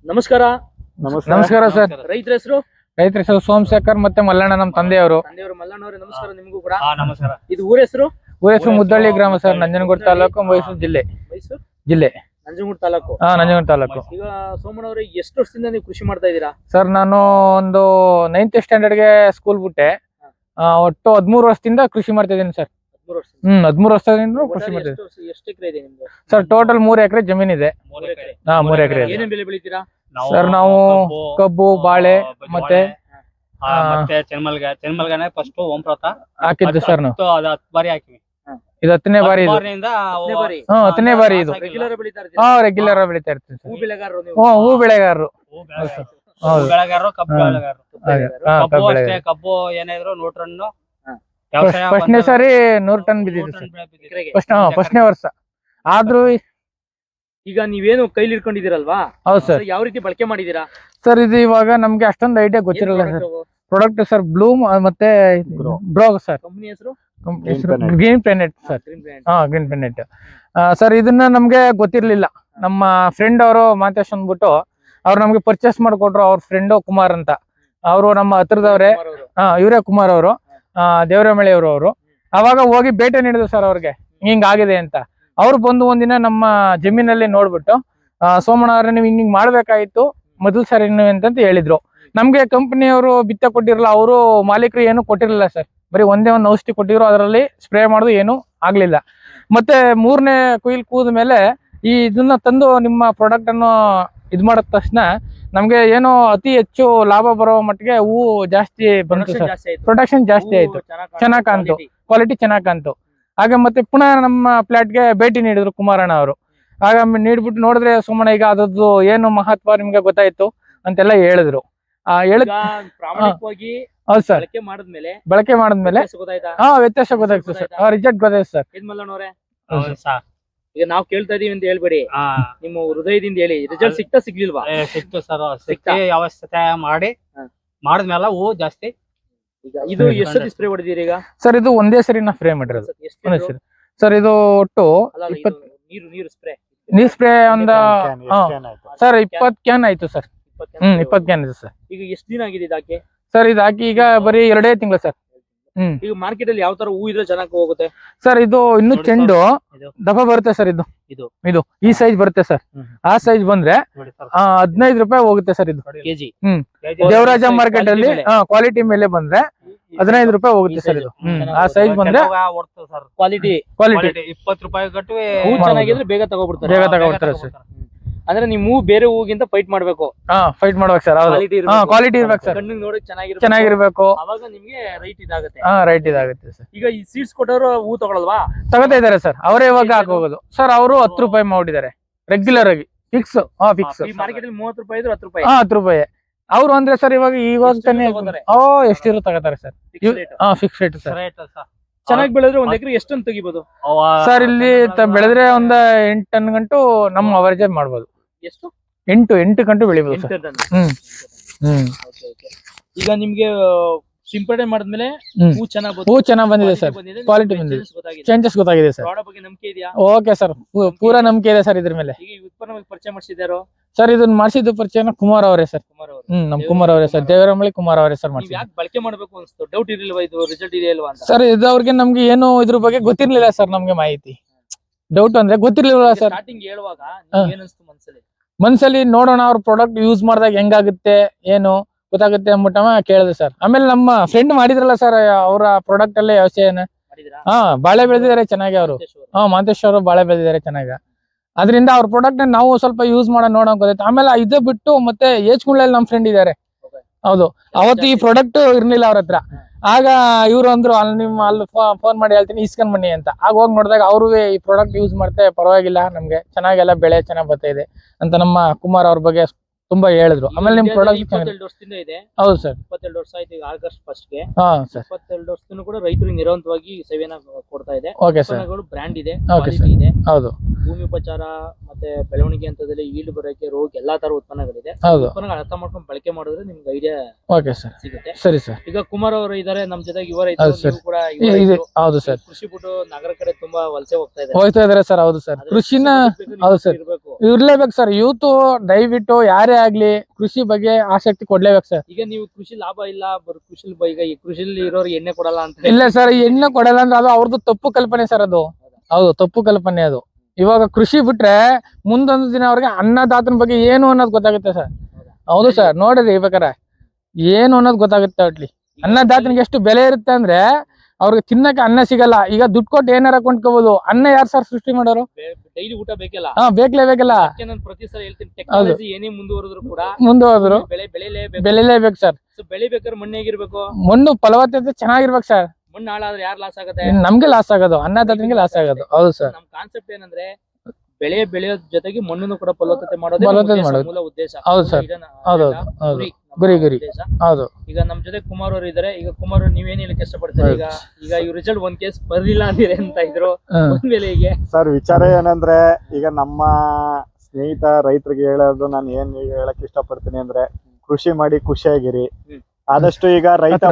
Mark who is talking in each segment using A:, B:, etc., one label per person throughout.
A: ನಮಸ್ಕಾರ.
B: ನಮಸ್ಕಾರ ಸರ್.
A: ರೈತರ ಹೆಸರು
B: ಸೋಮಶೇಖರ್ ಮತ್ತೆ ಮಲ್ಲಣ್ಣ ನಮ್ಮ ತಂದೆಯವರು.
A: ಮಲ್ಲಣ್ಣ ಅವರೇ ನಮಸ್ಕಾರ. ನಿಮಗೂ ಕೂಡ
C: ನಮಸ್ಕಾರ.
A: ಇದು ಊರ ಹೆಸರು
B: ಮುದ್ದಳ್ಳಿ ಗ್ರಾಮ ಸರ್, ನಂಜನಗೂಡು ತಾಲೂಕು, ಮೈಸೂರು ಜಿಲ್ಲೆ.
A: ನಂಜನಗೂಡು ತಾಲೂಕು.
B: ನಂಜನಗೂಡು ತಾಲೂಕು.
A: ಈಗ ಸೋಮಣ್ಣ ಅವರೇ ಎಷ್ಟು ವರ್ಷದಿಂದ ನೀವು ಕೃಷಿ ಮಾಡ್ತಾ ಇದ್ದೀರಾ?
B: ಸರ್ ನಾನು ಒಂದು 9th ಸ್ಟ್ಯಾಂಡರ್ಡ್ ಗೆ ಸ್ಕೂಲ್ ಬಿಟ್ಟೆ. ಒಟ್ಟು 13 ವರ್ಷದಿಂದ ಕೃಷಿ ಮಾಡ್ತಾ ಇದ್ದೀನಿ ಸರ್. 13 ವರ್ಷದಿಂದ ಕೃಷಿ ಮಾಡ್ತಾ ಇದ್ದೀನಿ.
A: ಎಷ್ಟು ಎಕರೆ ಇದೆ ನಿಮ್ದು?
B: ಸರ್ ಟೋಟಲ್ 3 ಎಕರೆ ಜಮೀನ್ ಇದೆ. 3 ಎಕರೆ.
A: ಏನೇನ್ ಬೆಳೆ ಬೆಳಿತೀರಾ
B: ಸರ್? ನಾವು ಕಬ್ಬು, ಬಾಳೆ ಮತ್ತೆ
C: ಚೆನ್ಮಲ್ಗಾನೆ ಫಸ್ಟ್ ಓಂಪ್ರತ
B: ಹಾಕಿದ್ದು ಸರ್. ನಾವು
C: 10 ಬಾರಿ ಹಾಕಿವಿ.
B: ಇದು 10ನೇ ಬಾರಿ. ಇದು 10ನೇ ಬಾರಿ. ಇದು
A: ರೆಗ್ಯುಲರ್ ಬೆಳಿತಾ
B: ರೆಗ್ಯುಲರ್ ಬೆಳಿತಾ ಇರ್ತೀವಿ ಸರ್.
A: ಹೂ ಬೆಳೆಗಾರರು ನೀವು?
B: ಹೂ ಬೆಳೆಗಾರರು.
C: ಬೆಳೆಗಾರರು, ಕಬ್ಬು ಬೆಳೆಗಾರರು. ಕಬ್ಬು ಅಷ್ಟೇ, ಕಬ್ಬು ಏನಾದ್ರು 100 ಟನ್.
B: ಫಸ್ಟ್ನೇ ಸಾರಿ 100 ಟನ್ ಬಿದ್ದಿದೆ ಸರ್. ಫಸ್ಟ್ನೇ ವರ್ಷ. ಆದ್ರೂ
A: ಈಗ ನೀವೇನು ಕೈಲಿ ಇಟ್ಕೊಂಡಿದ್ದೀರಲ್ವಾ?
B: ಹೌದು ಸರ್.
A: ಯಾವ ರೀತಿ ಬಳಕೆ ಮಾಡಿದೀರಾ
B: ಸರ್? ಇದು ಇವಾಗ ನಮ್ಗೆ ಅಷ್ಟೊಂದು ಐಡಿಯಾ ಗೊತ್ತಿರಲ್ಲ ಸರ್. ಪ್ರಾಡಕ್ಟ್ ಸರ್ ಬ್ಲೂಮ್ ಮತ್ತೆ ಬ್ರೋ ಸರ್.
A: ಕಂಪನಿ ಹೆಸರು
B: green planet sir. Green planet sir. ಇದನ್ನ ನಮ್ಗೆ ಗೊತ್ತಿರ್ಲಿಲ್ಲ. ನಮ್ಮ ಫ್ರೆಂಡ್ ಅವರು ಮಾತೇಶ್ ಅಂದ್ಬಿಟ್ಟು ಅವ್ರು ನಮ್ಗೆ ಪರ್ಚೇಸ್ ಮಾಡಿಕೊಟ್ರು. ಅವ್ರ ಫ್ರೆಂಡ್ ಕುಮಾರ್ ಅಂತ, ಅವರು ನಮ್ಮ ಹತ್ರದವ್ರೆ. ಇವರೇ ಕುಮಾರ್ ಅವರು, ದೇವರಮಳೆ ಅವರು. ಅವಾಗ ಹೋಗಿ ಭೇಟಿ ನೀಡಿದ್ರು ಸರ್ ಅವ್ರಿಗೆ, ಹಿಂಗ್ ಆಗಿದೆ ಅಂತ. ಅವ್ರು ಬಂದು ಒಂದಿನ ನಮ್ಮ ಜಮೀನಲ್ಲಿ ನೋಡ್ಬಿಟ್ಟು, ಸೋಮಣ್ಣ ಅವ್ರೆ ನೀವು ಹಿಂಗ್ ಮಾಡ್ಬೇಕಾಗಿತ್ತು ಮೊದಲು ಸರಿ ಅಂತ ಹೇಳಿದ್ರು. ನಮ್ಗೆ ಕಂಪನಿಯವರು ಬಿತ್ತ ಕೊಟ್ಟಿರಲ್ಲ, ಅವರು ಮಾಲೀಕರು ಏನು ಕೊಟ್ಟಿರಲಿಲ್ಲ ಸರ್. ಬರೀ ಒಂದೇ ಒಂದು ಔಷಧಿ ಕೊಟ್ಟಿದ್ರು, ಅದರಲ್ಲಿ ಸ್ಪ್ರೇ ಮಾಡೋದು ಏನು ಆಗ್ಲಿಲ್ಲ. ಮತ್ತೆ 3ನೇ ಕುಯ್ಲ್ ಕೂದ ಮೇಲೆ ಇದನ್ನ ತಂದು ನಿಮ್ಮ ಪ್ರಾಡಕ್ಟ್ ಅನ್ನು ಇದ್ ಮಾಡಿದ ತಕ್ಷಣ ನಮ್ಗೆ ಏನೋ ಅತಿ ಹೆಚ್ಚು ಲಾಭ ಬರೋ ಮಟ್ಟಿಗೆ ಹೂವು ಜಾಸ್ತಿ ಬಂತು ಸರ್. ಪ್ರೊಡಕ್ಷನ್ ಜಾಸ್ತಿ ಆಯ್ತು, ಚೆನ್ನಾಗ್ ಕಾಣ್ತು, ಕ್ವಾಲಿಟಿ ಚೆನ್ನಾಗ್ ಕಾಣ್ತು. ಆಗ ಮತ್ತೆ ಪುನಃ ನಮ್ಮ ಪ್ಲಾಟ್ಗೆ ಭೇಟಿ ನೀಡಿದ್ರು ಕುಮಾರಣ್ಣ ಅವರು. ಆಗ ನೀಡ್ಬಿಟ್ಟು ನೋಡಿದ್ರೆ ಸೋಮಣ್ಣ ಈಗ ಅದರದ್ದು ಏನು ಮಹತ್ವ ನಿಮ್ಗೆ ಗೊತ್ತಾಯ್ತು ಅಂತೆಲ್ಲ ಹೇಳಿದ್ರು. ಹೌದು ಸರ್. ಬಳಕೆ ಮಾಡಿದ್ಮೇಲೆ ವ್ಯತ್ಯಾಸ ಗೊತ್ತಾಯ್ತು ಸರ್. ರಿಸಲ್ಟ್ ಗೊತ್ತಾಯ್ತು ಸರ್.
A: ಈಗ ನಾವು ಕೇಳ್ತಾ ಇದೀವಿ ಅಂತ ಹೇಳ್ಬೇಡಿ, ನಿಮ್ಮ ಹೃದಯದಿಂದ ಹೇಳಿ. ರಿಸಲ್ಟ್ ಸಿಗ್ಲಿಲ್ವಾ?
C: ಸಿಕ್ತು ಸರ್. ವ್ಯವಸ್ಥೆ ಮಾಡಿದ್ಮೇಲೆ ಹೂ ಜಾಸ್ತಿ.
A: ಈಗ ಇದು ಎಷ್ಟು ಸ್ಪ್ರೇ ಹೊಡೆದಿರಿ ಈಗ?
B: ಸರ್ ಇದು ಒಂದೇ ಸರಿ ನಾ ಸ್ಪ್ರೇ ಮಾಡಿರೋದು ಸರ್. ಇದು ಒಟ್ಟು ನೀರು ಸ್ಪ್ರೇ ಒಂದು ಸರ್ 20 ಕ್ಯಾನ್ ಆಯ್ತು ಸರ್. 20 ಕ್ಯಾನ್ ಇದೆ ಸರ್.
A: ಈಗ ಎಷ್ಟು ದಿನ ಆಗಿದೆ ಇದಾಕಿ?
B: ಸರ್ ಇದು ಹಾಕಿ ಈಗ ಬರೀ 2 ತಿಂಗಳು ಸರ್.
A: ಈಗ ಮಾರ್ಕೆಟ್ ಅಲ್ಲಿ ಯಾವ ತರ ಹೂ ಇದ್ರೆ ಚೆನ್ನಾಗಿ ಹೋಗುತ್ತೆ
B: ಸರ್? ಇದು ಇನ್ನು ಚೆಂಡು ದಪ್ಪ ಬರುತ್ತೆ ಸರ್. ಇದು ಈ ಸೈಜ್ ಬರುತ್ತೆ ಸರ್. ಆ ಸೈಜ್ ಬಂದ್ರೆ 15 ರೂಪಾಯಿ ಹೋಗುತ್ತೆ ಸರ್ ಇದು ಕೆಜಿ. ದೇವರಾಜ ಮಾರ್ಕೆಟ್ ಅಲ್ಲಿ ಕ್ವಾಲಿಟಿ ಮೇಲೆ ಬಂದ್ರೆ 15 ರೂಪಾಯಿ ಹೋಗುತ್ತೆ ಸರ್ ಇದು. ಆ ಸೈಜ್ ಬಂದ್ರೆ
A: ಕ್ವಾಲಿಟಿ
C: 20 ರೂಪಾಯಿ ಕಟ್ಟು
A: ಹೂ ಚೆನ್ನಾಗಿದ್ರೆ ಬೇಗ ತಗೋಬಿಡ್ತಾರೆ
B: ಸರ್.
A: ಅಂದ್ರೆ ನೀವು ಬೇರೆ ಹೂಗಿಂತ ಫೈಟ್ ಮಾಡ್ಬೇಕು.
B: ಫೈಟ್ ಮಾಡ್ಬೇಕು ಸರ್. ಕ್ವಾಲಿಟಿ ಇರ್ಬೇಕು ಸರ್.
A: ಕಣ್ಣಿಗೆ ನೋಡಕ್
B: ಚೆನ್ನಾಗಿರ್ಬೇಕು.
A: ಅವಾಗ ನಿಮ್ಗೆ ರೈಟ್ ಇದಾಗುತ್ತೆ.
B: ರೈಟ್ ಇದಾಗುತ್ತೆ ಸರ್.
A: ಈಗ ಈ ಸೀಡ್ಸ್ ಕೊಟ್ಟವರು ಹೂ ತಗೊಳಲ್ವಾ?
B: ತಗೋತಾ ಇದಾರೆ ಸರ್. ಅವರೇ ಇವಾಗ ಹಾಕೋದು ಸರ್. ಅವರು 10 ರೂಪಾಯಿ ಮಾಡಿದ್ದಾರೆ ರೆಗ್ಯುಲರ್ ಆಗಿ. ಫಿಕ್ಸ್
A: ಮಾರ್ಕೆಟ್ ಅಲ್ಲಿ 30 ರೂಪಾಯಿ ಇದ್ರೆ 10 ರೂಪಾಯಿ.
B: 10 ರೂಪಾಯಿ ಅವ್ರು ಅಂದ್ರೆ ಸರ್. ಇವಾಗ ತಾನೇ ಎಷ್ಟಿರೋ ತಗೋತಾರೆ ಸರ್. Fix rate sir.
A: ಚೆನ್ನಾಗಿ ಬೆಳೆದ್ರೆ ಒಂದ್ ಎಕರೆ ಎಷ್ಟೊಂದು ತೆಗಿಬಹುದು
B: ಸರ್? ಇಲ್ಲಿ ಬೆಳೆದ್ರೆ ಒಂದ್ 8 ಟನ್ ಗಂಟು ನಮ್ಮ ಅವರೇಜ್ ಮಾಡ್ಬೋದು.
A: ಎಷ್ಟು?
B: 8 ಗಂಟು ಬೆಳಿಬಹುದು ಸರ್.
A: ಈಗ ನಿಮ್ಗೆ ಸಿಂಪಡಣೆ ಮಾಡಿದ್ಮೇಲೆ ಹೂ
B: ಚೆನ್ನಾಗಿ ಬಂದಿದೆ ಸರ್. ಕ್ವಾಲಿಟಿ ಬಂದಿದೆ, ಚೇಂಜಸ್ ಗೊತ್ತಾಗಿದೆ ಸರ್.
A: ನಂಬಿಕೆ ಇದೆಯಾ?
B: ಓಕೆ ಸರ್, ಪೂರಾ ನಂಬಿಕೆ ಇದೆ ಸರ್ ಇದ್ರ ಮೇಲೆ.
A: ಉತ್ಪನ್ನ ಪರಿಚಯ ಮಾಡಿಸಿದಾರೋ
B: ಸರ್? ಇದನ್ನ ಮಾಡಿಸಿದ್ದು ಪರಿಚಯ ಕುಮಾರ್ ಅವರೇ ಸರ್. ನಮ್ ಕುಮಾರ್ ಅವರೇ ಸರ್. ದೇವರಮಳಿ ಕುಮಾರ್ ಅವರೇ ಸರ್.
A: ಯಾಕೆ ಬಳಕೆ ಮಾಡಬೇಕು ಅನ್ಸ್ತು? ಡೌಟ್ ಇರಲಿಲ್ವಾ ಇದು ರಿಸಲ್ಟ್ ಇದೆಯಲ್ವಾ ಅಂತ?
B: ಸರ್ ಇದು ಅವ್ರಿಗೆ ನಮ್ಗೆ ಏನು ಇದ್ರ ಬಗ್ಗೆ ಗೊತ್ತಿರ್ಲಿಲ್ಲ ಸರ್. ನಮ್ಗೆ ಮಾಹಿತಿ ಡೌಟ್ ಅಂದ್ರೆ ಗೊತ್ತಿರ್ಲಿಲ್ಲ ಸರ್.
A: ಸ್ಟಾರ್ಟಿಂಗ್ ಹೇಳುವಾಗ ಏನಿಸ್ತು
B: ಮನ್ಸಲ್ಲಿ? ನೋಡೋಣ ಅವ್ರ ಪ್ರಾಡಕ್ಟ್ ಯೂಸ್ ಮಾಡಿದಾಗ ಹೆಂಗಾಗುತ್ತೆ ಏನು ಗೊತ್ತಾಗುತ್ತೆ ಅಂದ್ಬಿಟ್ಟವ ಕೇಳಿದೆ ಸರ್. ಆಮೇಲೆ ನಮ್ಮ ಫ್ರೆಂಡ್ ಮಾಡಿದ್ರಲ್ಲ ಸರ್, ಅವರ ಪ್ರಾಡಕ್ಟ್ ಅಲ್ಲೇ ವ್ಯವಸಾಯನ ಬಾಳೆ ಬೆಳೆದಿದ್ದಾರೆ ಚೆನ್ನಾಗಿ. ಅವರು ಮಾಂತೇಶ್ ಅವರು ಬಾಳೆ ಬೆಳೆದಿದ್ದಾರೆ ಚೆನ್ನಾಗಿ. ಅದರಿಂದ ಅವ್ರ ಪ್ರಾಡಕ್ಟ್ ನಾವು ಸ್ವಲ್ಪ ಯೂಸ್ ಮಾಡೋಣ ನೋಡೋಣ ಗೊತ್ತಾಯ್ತು. ಆಮೇಲೆ ಇದೇ ಬಿಟ್ಟು ಮತ್ತೆ ಏಜ್ಕುಂಡ್ಲಲ್ಲಿ ನಮ್ಮ ಫ್ರೆಂಡ್ ಇದ್ದಾರೆ. ಹೌದು, ಅವತ್ತು ಈ ಪ್ರಾಡಕ್ಟ್ ಇರ್ಲಿಲ್ಲ ಅವ್ರ ಹತ್ರ. ಆಗ ಇವ್ರು ಅಂದ್ರು ಅಲ್ಲಿ ಫೋನ್ ಮಾಡಿ ಹೇಳ್ತೀನಿ ಇಸ್ಕೊಂಡ್ ಬನ್ನಿ ಅಂತ. ಆಗ ಹೋಗಿ ನೋಡಿದಾಗ ಅವರು ಈ ಪ್ರಾಡಕ್ಟ್ ಯೂಸ್ ಮಾಡ್ತಾ ಪರವಾಗಿಲ್ಲ, ನಮ್ಗೆ ಚೆನ್ನಾಗೆಲ್ಲ ಬೆಳೆ ಚೆನ್ನಾಗ್ ಬರ್ತಾ ಇದೆ ಅಂತ ನಮ್ಮ ಕುಮಾರ್ ಅವ್ರ ಬಗ್ಗೆ ತುಂಬಾ ಹೇಳಿದ್ರು. ಆಮೇಲೆ ನಿಮ್ ಪ್ರಾಡಕ್ಟ್
A: 22 ವರ್ಷದಿಂದ ಇದೆ.
B: ಹೌದು ಸರ್.
A: 22 ವರ್ಷ ಆಯ್ತು ಈಗ ಆಗಸ್ಟ್ 1 ಗೆ.
B: ಸರ್
A: 22 ವರ್ಷದಿಂದ ಕೂಡ ರೈತರು ನಿರಂತರವಾಗಿ ಸೇವೆನ ಕೊಡ್ತಾ ಇದೆ.
B: Okay sir.
A: ಬ್ರ್ಯಾಂಡ್ ಇದೆ,
B: ಓಕೆ ಸರ್.
A: ಇದೆ.
B: ಹೌದು.
A: ಭೂಮಿ ಉಪಚಾರ ಮತ್ತೆ ಬೆಳವಣಿಗೆ ಹಂತದಲ್ಲಿ ಈಲ್ಡ್ ಬರೋಕೆ ರೋಗ ಎಲ್ಲಾ ತರ ಉತ್ಪನ್ನಗಳಿದೆ. ಉತ್ಪನ್ನಗಳು ಅರ್ಥ ಮಾಡ್ಕೊಂಡು ಬಳಕೆ ಮಾಡಿದ್ರೆ ನಿಮ್ಗೆ ಐಡಿಯಾ
B: ಓಕೆ ಸರ್
A: ಸಿಗುತ್ತೆ.
B: ಸರಿ ಸರ್.
A: ಈಗ ಕುಮಾರ್ ಅವರು ಇದಾರೆ ನಮ್ ಜೊತೆಗೆ. ಇವರ ಕೂಡ
B: ಹೌದು ಸರ್.
A: ಕೃಷಿ ಬಿಟ್ಟು ನಗರ ಕಡೆ ತುಂಬಾ ವಲಸೆ ಹೋಗ್ತಾ ಇದ್ದಾರೆ
B: ಸರ್. ಹೌದು ಸರ್. ಕೃಷಿನ ಹೌದು ಸರ್. ಇರ್ಲೇಬೇಕು ಸರ್. ಯೂತ್ ದಯವಿಟ್ಟು ಯಾರೇ ಆಗ್ಲಿ ಕೃಷಿ ಬಗ್ಗೆ ಆಸಕ್ತಿ ಕೊಡ್ಲೇಬೇಕು ಸರ್.
A: ಈಗ ನೀವು ಕೃಷಿ ಲಾಭ ಇಲ್ಲ ಕೃಷಿ ಈಗ ಈ ಕೃಷಿಲಿ ಇರೋರು ಎಣ್ಣೆ ಕೊಡಲ್ಲ ಅಂತ
B: ಇಲ್ಲ ಸರ್, ಎಣ್ಣೆ ಕೊಡಲ್ಲ ಅಂದ್ರೆ ಅದು ಅವ್ರದ್ದು ತಪ್ಪು ಕಲ್ಪನೆ ಸರ್. ಅದು ಹೌದು, ತಪ್ಪು ಕಲ್ಪನೆ ಅದು. ಇವಾಗ ಕೃಷಿ ಬಿಟ್ರೆ ಮುಂದೊಂದು ದಿನ ಅವ್ರಿಗೆ ಅನ್ನದಾತನ ಬಗ್ಗೆ ಏನು ಅನ್ನೋದು ಗೊತ್ತಾಗುತ್ತೆ ಸರ್. ಹೌದು ಸರ್, ನೋಡಿರಿ ಬೇಕಾರೆ ಏನು ಅನ್ನೋದು ಗೊತ್ತಾಗುತ್ತೆ. ಒಟ್ಲಿ ಅನ್ನದಾತನಿಗೆ ಎಷ್ಟು ಬೆಲೆ ಇರುತ್ತೆ ಅಂದ್ರೆ ಅವ್ರಿಗೆ ತಿನ್ನಕ್ಕೆ ಅನ್ನ ಸಿಗಲ್ಲ. ಈಗ ದುಡ್ಡು ಕೊಟ್ಟು ಏನಾರ ಕೊಂಡ್ಕೋಬಹುದು, ಅನ್ನ ಯಾರು ಸರ್ ಸೃಷ್ಟಿ ಮಾಡೋರು?
A: ಡೈಲಿ ಊಟ ಬೇಕಲ್ಲ.
B: ಬೇಕಲ್ಲ.
A: ನಾನು ಪ್ರತಿ ಸಲ ಹೇಳ್ತೀನಿ, ಟೆಕ್ನಾಲಜಿ ಏನೇ ಮುಂದುವರೆದ್ರು ಕೂಡ
B: ಬೆಳೆಲೇಬೇಕು ಸರ್.
A: ಬೆಳಿಬೇಕಾದ್ರೆ ಮಣ್ಣು ಹೇಗಿರ್ಬೇಕು?
B: ಮಣ್ಣು ಫಲವತ್ತತೆ ಚೆನ್ನಾಗಿರ್ಬೇಕು ಸರ್.
A: ಮಣ್ಣು ಹಾಳಾದ್ರೆ ಯಾರು ಲಾಸ್ ಆಗುತ್ತೆ?
B: ನಮ್ಗೆ ಲಾಸ್ ಆಗೋದು, ಅನ್ನದಾತನಿಗೆ ಲಾಸ್ ಆಗೋದು. ಹೌದು ಸರ್.
A: ನಮ್ ಕಾನ್ಸೆಪ್ಟ್ ಏನಂದ್ರೆ ಬೆಳೆಯೋ ಜೊತೆಗೆ ಮಣ್ಣನ್ನು ಕೂಡ ಫಲವತ್ತತೆ ಮಾಡೋದೇ ಮೂಲ ಉದ್ದೇಶ.
B: ಹೌದು ಸರ್, ಹೌದು ಗುರಿ ಹೌದು.
A: ಈಗ ನಮ್ ಜೊತೆ ಕುಮಾರ್ ಅವರು ಇದಾರೆ. ಈಗ ಕುಮಾರ್ ನೀವೇನ್ ಹೇಳಕ್ ಇಷ್ಟಪಡ್ತೀರಿ? ಈಗ ಈ ರಿಸಲ್ಟ್ ಒಂದ್ ಕೇಸ್ ಬರ್ಲಿಲ್ಲ ಅಂದಿದೆ ಅಂತ ಇದ್ರು, ಒಂದ್ಮೇಲೆ ಹೀಗೆ
D: ಸರ್ ವಿಚಾರ ಏನಂದ್ರೆ, ಈಗ ನಮ್ಮ ಸ್ನೇಹಿತ ರೈತರಿಗೆ ಹೇಳೋದು ನಾನು ಏನ್ ಹೇಳಕ್ ಇಷ್ಟಪಡ್ತೀನಿ ಅಂದ್ರೆ, ಕೃಷಿ ಮಾಡಿ ಖುಷಿಯಾಗಿರಿ. ಆದಷ್ಟು ಈಗ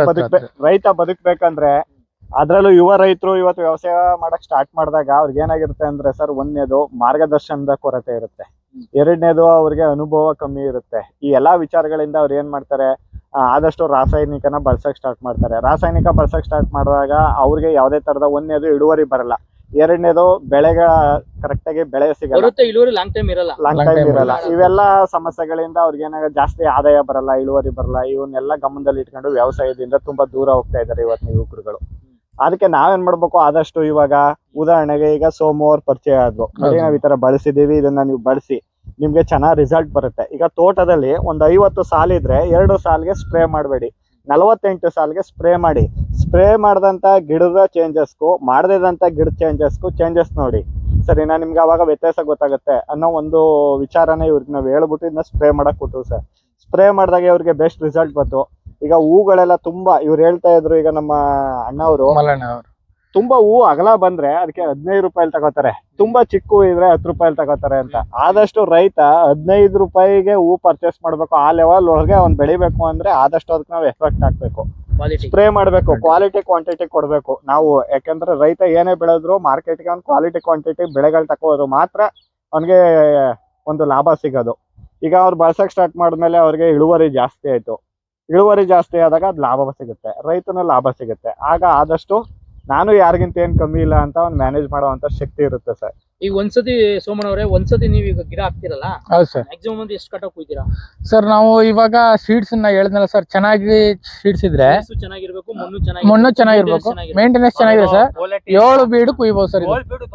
D: ರೈತ ಬದುಕ್ಬೇಕಂದ್ರೆ, ಅದ್ರಲ್ಲೂ ಯುವ ರೈತರು ಇವತ್ತು ವ್ಯವಸಾಯ ಮಾಡಕ್ ಸ್ಟಾರ್ಟ್ ಮಾಡಿದಾಗ ಅವ್ರಿಗೆ ಏನಾಗಿರುತ್ತೆ ಅಂದ್ರೆ ಸರ್, ಒಂದನೇದು ಮಾರ್ಗದರ್ಶನದ ಕೊರತೆ ಇರುತ್ತೆ, ಎರಡನೇದು ಅವ್ರಿಗೆ ಅನುಭವ ಕಮ್ಮಿ ಇರುತ್ತೆ. ಈ ಎಲ್ಲಾ ವಿಚಾರಗಳಿಂದ ಅವ್ರು ಏನ್ ಮಾಡ್ತಾರೆ, ಆದಷ್ಟು ರಾಸಾಯನಿಕನ ಬಳಸಕ್ ಸ್ಟಾರ್ಟ್ ಮಾಡ್ತಾರೆ. ರಾಸಾಯನಿಕ ಬಳಸಕ್ ಸ್ಟಾರ್ಟ್ ಮಾಡಿದಾಗ ಅವ್ರಿಗೆ ಯಾವ್ದೇ ತರದ ಒಂದನೇದು ಇಳುವರಿ ಬರಲ್ಲ, ಎರಡನೇದು ಬೆಳೆಗ ಕರೆಕ್ಟ್ ಆಗಿ ಬೆಳೆ ಸಿಗಲ್ಲ,
A: ಲಾಂಗ್ ಟೈಮ್
D: ಇರಲ್ಲ. ಇವೆಲ್ಲ ಸಮಸ್ಯೆಗಳಿಂದ ಅವ್ರಿಗೆ ಏನಾಗ ಜಾಸ್ತಿ ಆದಾಯ ಬರಲ್ಲ, ಇಳುವರಿ ಬರಲ್ಲ. ಇವನ್ನೆಲ್ಲ ಗಮನದಲ್ಲಿ ಇಟ್ಕೊಂಡು ವ್ಯವಸಾಯದಿಂದ ತುಂಬಾ ದೂರ ಹೋಗ್ತಾ ಇದಾರೆ ಇವತ್ತಿನ ಯುವಕರುಗಳು. ಅದಕ್ಕೆ ನಾವೇನ್ ಮಾಡ್ಬೇಕು, ಆದಷ್ಟು ಇವಾಗ ಉದಾಹರಣೆಗೆ ಈಗ ಸೋಮು ಅವ್ರ ಪರಿಚಯ ಆದ್ರು, ನಾವ್ ಈ ತರ ಬಳಸಿದೀವಿ, ಇದನ್ನ ನೀವು ಬಳಸಿ ನಿಮ್ಗೆ ಚೆನ್ನಾಗ್ ರಿಸಲ್ಟ್ ಬರುತ್ತೆ. ಈಗ ತೋಟದಲ್ಲಿ ಒಂದ್ 50 ಸಾಲಿದ್ರೆ 2 ಸಾಲಿಗೆ ಸ್ಪ್ರೇ ಮಾಡಬೇಡಿ, 48 ಸಾಲಿಗೆ ಸ್ಪ್ರೇ ಮಾಡಿ. ಸ್ಪ್ರೇ ಮಾಡಿದಂತ ಗಿಡದ ಚೇಂಜಸ್ಗೂ ಮಾಡದಂತ ಗಿಡದ ಚೇಂಜಸ್ ನೋಡಿ ಸರಿನಾ, ನಿಮ್ಗೆ ಅವಾಗ ವ್ಯತ್ಯಾಸ ಗೊತ್ತಾಗುತ್ತೆ ಅನ್ನೋ ಒಂದು ವಿಚಾರನ ಇವ್ರಿಗೆ ನಾವು ಹೇಳ್ಬಿಟ್ಟು ಇದನ್ನ ಸ್ಪ್ರೇ ಮಾಡಕ್ ಕೊಟ್ಟು ಸರ್. ಸ್ಪ್ರೇ ಮಾಡಿದಾಗ ಇವ್ರಿಗೆ ಬೆಸ್ಟ್ ರಿಸಲ್ಟ್ ಬಂತು. ಈಗ ಹೂಗಳೆಲ್ಲ ತುಂಬಾ ಇವ್ರು ಹೇಳ್ತಾ ಇದ್ರು, ಈಗ ನಮ್ಮ ಅಣ್ಣವರು ತುಂಬಾ ಹೂ ಅಗಲ ಬಂದ್ರೆ ಅದಕ್ಕೆ 15 ರೂಪಾಯಿ ತಗೋತಾರೆ, ತುಂಬಾ ಚಿಕ್ಕ ಹೂ ಇದ್ರೆ 10 ರೂಪಾಯಿ ತಗೋತಾರೆ ಅಂತ. ಆದಷ್ಟು ರೈತ 15 ರೂಪಾಯಿಗೆ ಹೂ ಪರ್ಚೇಸ್ ಮಾಡ್ಬೇಕು. ಆ ಲೆವೆಲ್ ಒಳಗೆ ಅವ್ನ್ ಬೆಳಿಬೇಕು ಅಂದ್ರೆ ಆದಷ್ಟು ಅದಕ್ಕೆ ನಾವು ಎಫೆಕ್ಟ್ ಹಾಕ್ಬೇಕು, ಸ್ಪ್ರೇ ಮಾಡ್ಬೇಕು, ಕ್ವಾಲಿಟಿ ಕ್ವಾಂಟಿಟಿ ಕೊಡ್ಬೇಕು ನಾವು. ಯಾಕಂದ್ರೆ ರೈತ ಏನೇ ಬೆಳೆದ್ರು ಮಾರ್ಕೆಟ್ಗೆ ಅವ್ನು ಕ್ವಾಲಿಟಿ ಕ್ವಾಂಟಿಟಿ ಬೆಳೆಗಳು ತಗೋದ್ರು ಮಾತ್ರ ಅವ್ನಿಗೆ ಒಂದು ಲಾಭ ಸಿಗೋದು. ಈಗ ಅವ್ರು ಬಳಸಕ್ ಸ್ಟಾರ್ಟ್ ಮಾಡಿದ್ಮೇಲೆ ಅವ್ರಿಗೆ ಇಳುವರಿ ಜಾಸ್ತಿ ಆಯ್ತು. ಇಳುವರಿ ಜಾಸ್ತಿ ಆದಾಗ ಅದು ಲಾಭ ಸಿಗುತ್ತೆ, ರೈತನ ಲಾಭ ಸಿಗುತ್ತೆ. ಆಗ ಆದಷ್ಟು ನಾನು ಯಾರಿಗಿಂತ ಏನ್ ಕಮ್ಮಿ ಇಲ್ಲ ಅಂತ ಒಂದು ಮ್ಯಾನೇಜ್ ಮಾಡುವಂತ ಶಕ್ತಿ ಇರುತ್ತೆ ಸರ್.
A: ಈಗ ಒಂದ್ಸತಿ ಸೋಮಣ್ಣ ಅವರೇ, ಒಂದ್ಸತಿ ನೀವು ಈಗ ಗಿಡ ಹಾಕ್ತಿರಲ್ಲ,
B: ಹೌದು ಸರ್,
A: ಮ್ಯಾಕ್ಸಿಮಮ್ ಒಂದು ಎಷ್ಟು ಕಟಾಕ್ ಹೋಗ್ತೀರಾ
B: ಸರ್? ನಾವು ಇವಾಗ ಸೀಡ್ಸ್ ಹೇಳಿದ್ನಲ್ಲ ಸರ್, ಚೆನ್ನಾಗಿ ಸೀಡ್ಸ್ ಇದ್ರೆ
A: ಚೆನ್ನಾಗಿರ್ಬೇಕು,
B: ಮಣ್ಣು ಚೆನ್ನಾಗಿರ್ಬೇಕು, ಮೇಂಟೆನೆನ್ಸ್ ಚೆನ್ನಾಗಿದೆ ಸರ್. 7 ಬೀಡು ಕುಯ್ಬೋದು ಸರ್.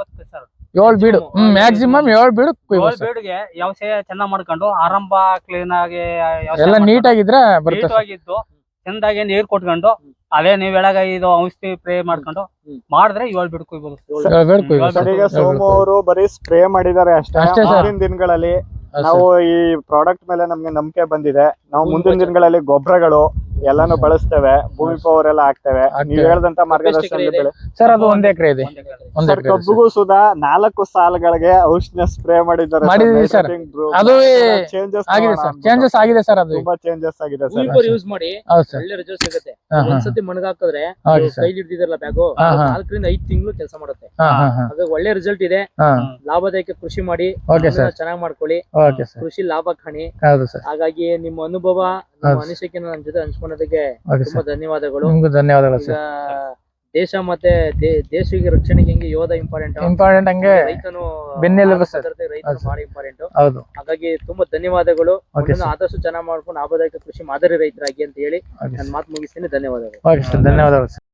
B: 7 ಬೀಡು ಮ್ಯಾಕ್ಸಿಮಮ್ 7 ಬೀಡು ಕುಯ್ಬೋದು.
C: ಬೀಡಿಗೆ ವ್ಯವಸಾಯ ಚೆನ್ನಾಗ್ ಮಾಡ್ಕೊಂಡು ಆರಂಭ ಕ್ಲೀನ್ ಆಗಿ
B: ಎಲ್ಲ ನೀಟಾಗಿದ್ರೆ ಬರುತ್ತೆ,
C: ಚಂದಾಗಿ ನೀರ್ ಕೊಟ್ಕೊಂಡು ಅದೇ ನೀವ್ ಹೇಳಾಗ ಇದು ಔಷಧಿ ಸ್ಪ್ರೇ ಮಾಡ್ಕೊಂಡು ಮಾಡಿದ್ರೆ 7 ಬೀಡು ಕುಯ್ಬೋದು.
D: ಈಗ ಸೋಮು ಅವರು ಬರೀ ಸ್ಪ್ರೇ ಮಾಡಿದ್ದಾರೆ ಅಷ್ಟೇ. ಮುಂದಿನ ದಿನಗಳಲ್ಲಿ ನಾವು ಈ ಪ್ರಾಡಕ್ಟ್ ಮೇಲೆ ನಮ್ಗೆ ನಂಬಿಕೆ ಬಂದಿದೆ. ನಾವು ಮುಂದಿನ ದಿನಗಳಲ್ಲಿ ಗೊಬ್ಬರಗಳು ಎಲ್ಲಾನು ಬಳಸ್ತೇವೆ, ಭೂಮಿ ಪವರ್ ಎಲ್ಲ ಹಾಕ್ತೇವೆ. ನೀವ್ ಹೇಳ್ದಂತ ಮಾರ್ಗದರ್ಶನ
B: ಸರ್. ಅದು 1 ಎಕರೆ ಇದೆ.
D: ಕಬ್ಬುಗೂ ಸುಧಾ 4 ಸಾಲುಗಳಿಗೆ ಔಷಧ ಸ್ಪ್ರೇ ಮಾಡಿದ್ದಾರೆ
B: ಸರ್. ಅದು ಚೇಂಜಸ್ ಆಗಿದೆ ಸರ್, ಅದು
D: ತುಂಬಾ ಚೇಂಜಸ್ ಆಗಿದೆ ಸರ್.
A: ಯೂಸ್ ಮಾಡಿ ಒಳ್ಳೆ ರಿಸಲ್ಟ್ ಸಿಗುತ್ತೆ. ಒಂದ್ಸತಿ ಮಣಗಾಕಿದ್ರೆ ಕೈಲಿ ಹಿಡಿದಿರಲ್ಲ ಬ್ಯಾಗು, 4 ರಿಂದ 5 ತಿಂಗಳು ಕೆಲಸ ಮಾಡುತ್ತೆ. ಹಾಗಾಗಿ ಒಳ್ಳೆ ರಿಸಲ್ಟ್ ಇದೆ. ಲಾಭದಾಯಕ ಕೃಷಿ ಮಾಡಿ ಚೆನ್ನಾಗಿ ಮಾಡ್ಕೊಳ್ಳಿ, ಕೃಷಿ ಲಾಭ ಕಾಣಿ. ಹಾಗಾಗಿ ನಿಮ್ಮ ಅನುಭವ, ನಿಮ್ಮ ಅನಿಸಿಕೆ ನನ್ನ ಜೊತೆ ಹಂಚ್ಕೊಂಡದಕ್ಕೆ ತುಂಬಾ ಧನ್ಯವಾದಗಳು.
B: ಧನ್ಯವಾದಗಳು.
A: ದೇಶ ಮತ್ತೆ ದೇಶಿಗೆ ರಕ್ಷಣೆಗೆ ಹೆಂಗೆ ಯೋಧ ಇಂಪಾರ್ಟೆಂಟ್
B: ಹಂಗೆ
A: ರೈತನು
B: ಬೆನ್ನೆಲುಬು
A: ರೈತನು ಬಹಳ ಇಂಪಾರ್ಟೆಂಟ್.
B: ಹೌದು,
A: ಹಾಗಾಗಿ ತುಂಬಾ ಧನ್ಯವಾದಗಳು. ಆದಷ್ಟು ಚೆನ್ನಾಗಿ ಮಾಡ್ಕೊಂಡು ಲಾಭದಾಯಕ ಕೃಷಿ ಮಾದರಿ ರೈತರಾಗಿ ಅಂತ ಹೇಳಿ ನನ್ನ ಮಾತು ಮುಗಿಸ್ತೀನಿ. ಧನ್ಯವಾದಗಳು.
B: ಧನ್ಯವಾದಗಳು.